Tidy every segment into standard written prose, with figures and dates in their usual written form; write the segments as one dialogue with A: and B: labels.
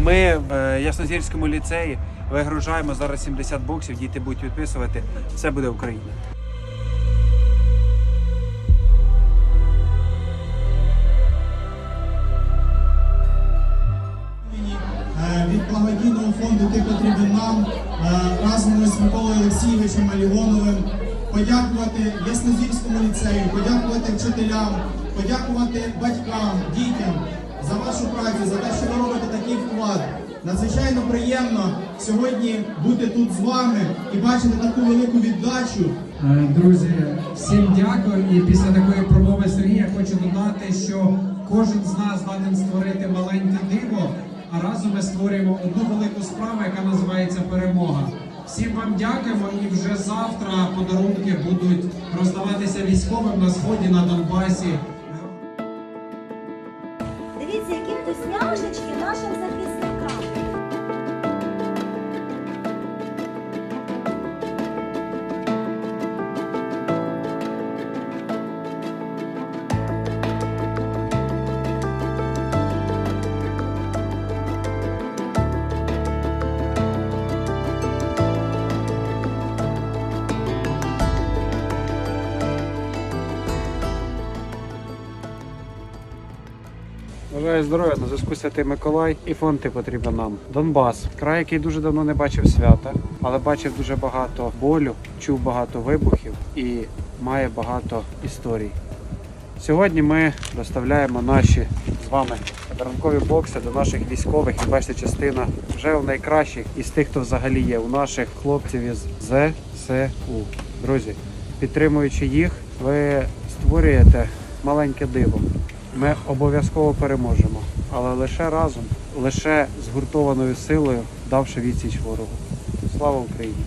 A: Ми в Яснозірському ліцеї вигружаємо зараз 70 боксів, діти будуть відписувати. Все буде Україна.
B: Від благодійного фонду «Ти потрібен нам» разом з Миколою Олексійовичем Алігоновим подякувати Яснозірському ліцею, подякувати вчителям, подякувати батькам, дітям за вашу працю, за те, що ви робите такий вклад. Надзвичайно приємно сьогодні бути тут з вами і бачити таку велику віддачу.
C: Друзі, всім дякую. І після такої промови Сергія хочу додати, що кожен з нас здатен створити маленьке диво, а разом ми створюємо одну велику справу, яка називається перемога. Всім вам дякуємо, і вже завтра подарунки будуть роздаватися військовим на Сході, на Донбасі.
D: Дивіться, які вкусняшечки нашим захисникам.
A: Бажаю здоров'я, на зв'язку Святий Миколай і фонд «Ти потрібен нам». Донбас. Край, який дуже давно не бачив свята, але бачив дуже багато болю, чув багато вибухів і має багато історій. Сьогодні ми доставляємо наші з вами подарункові бокси до наших військових. І бачите, частина вже у найкращих із тих, хто взагалі є, у наших хлопців із ЗСУ. Друзі, підтримуючи їх, ви створюєте маленьке диво. Ми обов'язково переможемо, але лише разом, лише згуртованою силою, давши відсіч ворогу. Слава Україні!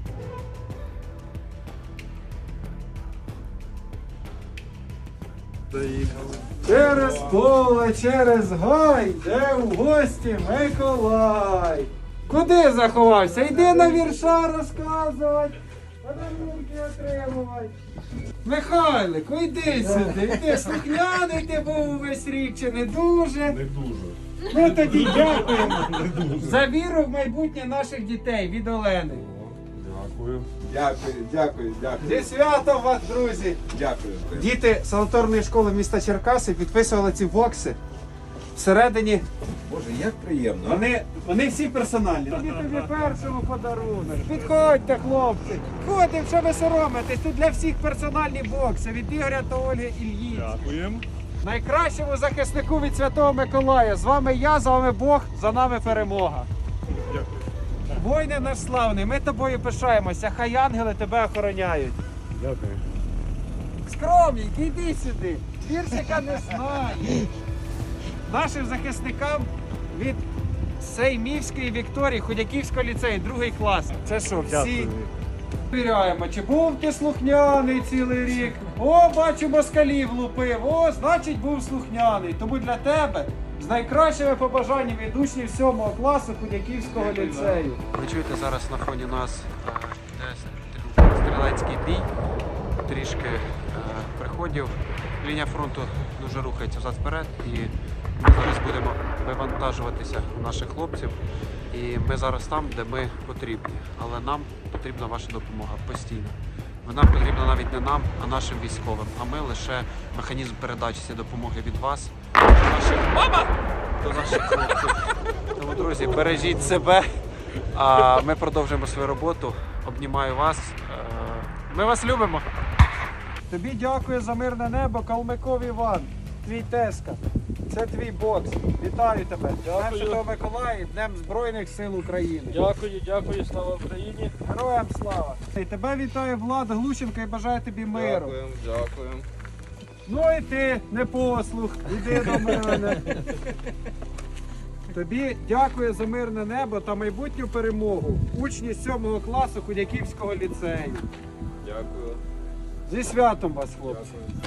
A: Доїхали. Через поле, через гай, де в гості Миколай. Куди заховався? Йди на вірша розказувати, подарунки отримувати. Михайлику, йди сюди, йди, слухняний ти був увесь рік, чи не дуже?
E: Не дуже.
A: Ну тоді дякуємо за віру в майбутнє наших дітей від Олени.
E: Дякую.
F: Дякую.
A: Зі святом вас, друзі!
F: Дякую.
A: Діти санаторної школи міста Черкаси підписували ці бокси. Всередині
F: Боже, як приємно.
A: вони всі персональні. Тобі першому подарунок. Підходьте, хлопці. Ходимо, що ви соромитесь. Тут для всіх персональні бокси від Ігоря та Ольги Ільїць.
E: Дякуємо.
A: Найкращому захиснику від Святого Миколая. З вами я, з вами Бог, за нами перемога.
E: Дякую.
A: Воїне наш славний, ми тобою пишаємося. Хай ангели тебе охороняють.
E: Дякую.
A: Скромненький, йди сюди. Віршика не знає. Нашим захисникам від Сеймівської Вікторії, Ходяківського ліцею, 2 клас. Це що, всі
E: Дякую.
A: перевіряємо, чи був ти слухняний цілий рік. О, бачу, москалів лупив. О, значить був слухняний. Тому для тебе з найкращими побажаннями від учнів 7 класу Ходяківського ліцею. Ви чуєте, зараз на фоні нас стрілецький бій. Трішки приходів. Лінія фронту дуже рухається взад-вперед, і ми зараз будемо вивантажуватися у наших хлопців. І ми зараз там, де ми потрібні. Але нам потрібна ваша допомога постійно. Вона потрібна навіть не нам, а нашим військовим. А ми лише механізм передачі цієї допомоги від вас до наших хлопців. Тому, друзі, бережіть себе, а ми продовжуємо свою роботу. Обнімаю вас. Ми вас любимо. Тобі дякую за мирне небо, Калмиков Іван, твій тезка. Це твій бокс. Вітаю тебе. Днем Святого Миколая і Днем Збройних сил України.
G: Дякую, слава Україні.
A: Героям слава. І тебе вітає Влад Глущенко і бажаю тобі миру.
F: Дякую.
A: Ну і ти, непослух, іди до мене. Тобі дякую за мирне небо та майбутню перемогу. Учні 7 класу Ходяківського ліцею.
F: Дякую.
A: Зі святом вас, хлопці.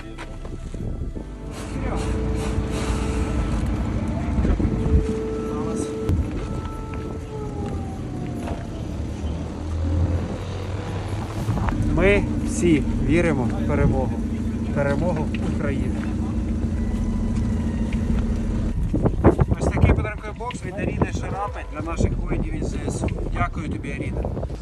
A: Ми всі віримо в перемогу. Перемогу України. Ось такий подарунковий бокс від Аріни Шарапи для наших воїнів із ЗСУ. Дякую тобі, Аріна.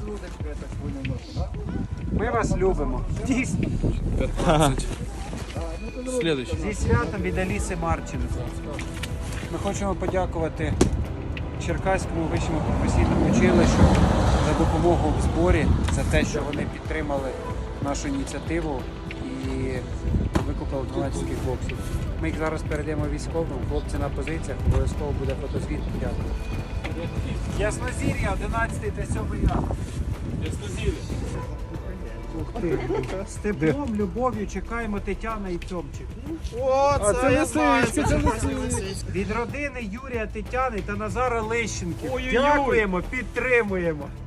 A: Ми вас любимо. Дійсно.
G: 15. Следующий.
A: Зі святом від Аліси Марченко. Ми хочемо подякувати Черкаському вищому професійному училищу за допомогу в зборі, за те, що вони підтримали нашу ініціативу і викупили 12 боксів. Ми їх зараз передаємо військовим, хлопці на позиціях, обов'язково буде фотозвіт. Дякую. Яснозір'я, 11 та 7 ранку. Ух ти. З теплом, любов'ю чекаємо Тетяна і Цьомчик.
G: Це лисичка, це лисичка.
A: Від родини Юрія Тетяни та Назара Лещенків.
G: Ой-ой-ой.
A: Дякуємо, підтримуємо.